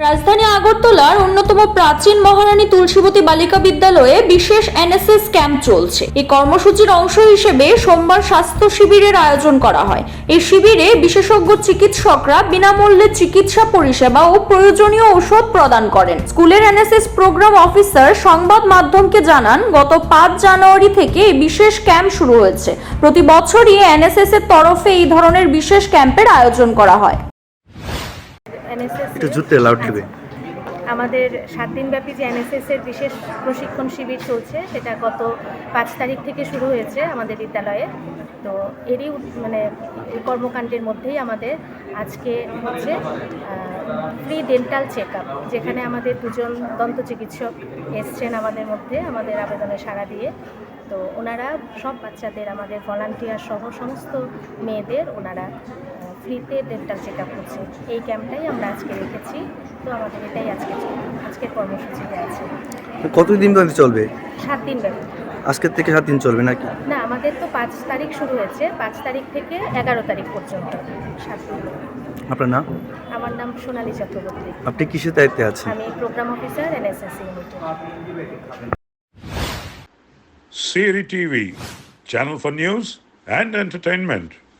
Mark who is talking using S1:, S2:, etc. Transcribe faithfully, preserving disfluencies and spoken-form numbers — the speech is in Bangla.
S1: রাজধানী আগরতলার অন্যতম প্রাচীন মহারানী তুলসীবতী বালিকা বিদ্যালয়ে বিশেষ এনএসএস ক্যাম্প চলছে। এই কর্মসূচির অংশ হিসেবে সোমবার স্বাস্থ্য শিবিরের আয়োজন করা হয়। এই শিবিরে বিশেষজ্ঞ চিকিৎসকরা বিনামূল্যে চিকিৎসা পরিষেবা ও প্রয়োজনীয় ঔষধ প্রদান করেন। স্কুলের এনএসএস প্রোগ্রাম অফিসার সংবাদ মাধ্যমকে জানান, গত পাঁচ জানুয়ারি থেকে এই বিশেষ ক্যাম্প শুরু হয়েছে। প্রতি বছরই এনএসএস এর তরফে এই ধরনের বিশেষ ক্যাম্পের আয়োজন করা হয়।
S2: আমাদের সাত দিনব্যাপী যে এনএসএস এর বিশেষ প্রশিক্ষণ শিবির চলছে, সেটা গত পাঁচ তারিখ থেকে শুরু হয়েছে আমাদের বিদ্যালয়ে। তো এরই মানে কর্মকাণ্ডের মধ্যেই আমাদের আজকে হচ্ছে ফ্রি ডেন্টাল চেক আপ, যেখানে আমাদের দুজন দন্ত চিকিৎসক এসছেন আমাদের মধ্যে আমাদের আবেদনে সাড়া দিয়ে। তো ওনারা সব বাচ্চাদের, আমাদের ভলান্টিয়ার সহ সমস্ত মেয়েদের ওনারা ফ্রিতে ডেন্টাল চেক আপ করছে। এই ক্যাম্পটাই আমরা আজকে রেখেছি। তো আমাদের এটাই আজকে আজকের কর্মসূচিতে আছে।
S3: কতদিন ব্যাপী চলবে?
S2: সাত দিন ব্যাপী।
S3: আজকের থেকে সাত দিন চলবে নাকি?
S2: না, আমাদের তো পাঁচ তারিখ শুরু হয়েছে, পাঁচ তারিখ থেকে এগারো তারিখ পর্যন্ত সাত দিন।
S3: আপনার নাম?
S2: আমার নাম সোনালী চক্রবর্তী।
S3: আপনি কিসের দায়িত্বে আছেন?
S2: আমি প্রোগ্রাম অফিসার এনএসএস ইউনিটে।
S4: Siri T V, channel for news and entertainment.